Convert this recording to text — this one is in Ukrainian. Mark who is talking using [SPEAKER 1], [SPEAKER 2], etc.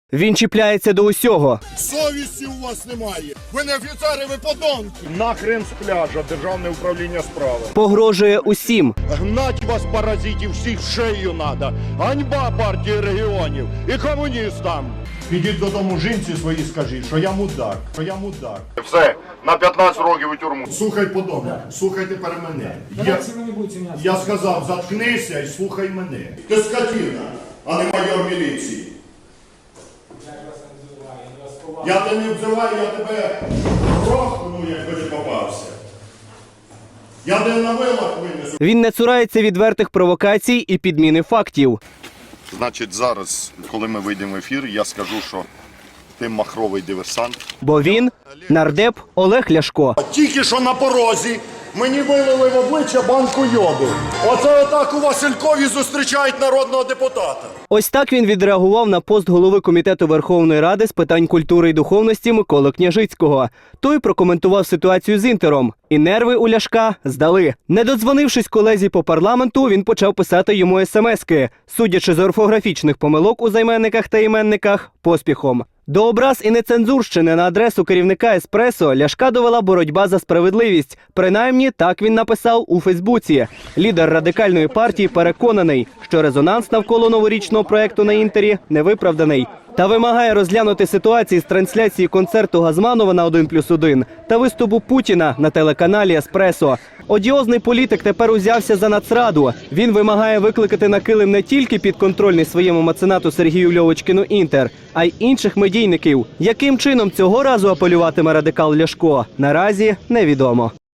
[SPEAKER 1] Він чіпляється до усього.
[SPEAKER 2] Совісті у вас немає. Ви не офіцери, ви подонки.
[SPEAKER 3] Нахрен з пляжа, Державне управління справи.
[SPEAKER 1] Погрожує усім.
[SPEAKER 3] Гнать вас, паразитів, всіх в шею надо. Ганьба партії регіонів і комуністам. Підіть додому жінці своїй, скажіть, що я мудак, Все, на 15 років у тюрму. Слухай подобно, слухай тепер мене. Я сказав, заткнися і слухай мене. Ти скотина, а не майор міліції. Я тебе не обзиваю, я тебе грохну, якби ти попався. Я тебе на вилах винесу.
[SPEAKER 1] Він не цурається відвертих провокацій і підміни фактів.
[SPEAKER 3] Значить, зараз, коли ми вийдемо в ефір, я скажу, що ти махровий диверсант.
[SPEAKER 1] Бо він – нардеп Олег Ляшко.
[SPEAKER 3] Тільки що на порозі мені вилили в обличчя банку йоду. Оце отак у Василькові зустрічають народного депутата.
[SPEAKER 1] Ось так він відреагував на пост голови Комітету Верховної Ради з питань культури і духовності Миколи Княжицького. Той прокоментував ситуацію з Інтером. І нерви у Ляшка здали. Не додзвонившись колезі по парламенту, він почав писати йому смски, судячи з орфографічних помилок у займенниках та іменниках, поспіхом. До образ і нецензурщини на адресу керівника «Еспресо» Ляшка довела боротьба за справедливість. Принаймні, так він написав у Фейсбуці. Лідер радикальної партії переконаний, що резонанс навколо новорічного проекту на Інтері невиправданий. Та вимагає розглянути ситуації з трансляції концерту Газманова на 1+1 та виступу Путіна на телеканалі «Еспресо». Одіозний політик тепер узявся за Нацраду. Він вимагає викликати на килим не тільки підконтрольний своєму меценату Сергію Льовочкіну Інтер, а й інших медійників. Яким чином цього разу апелюватиме радикал Ляшко, наразі невідомо.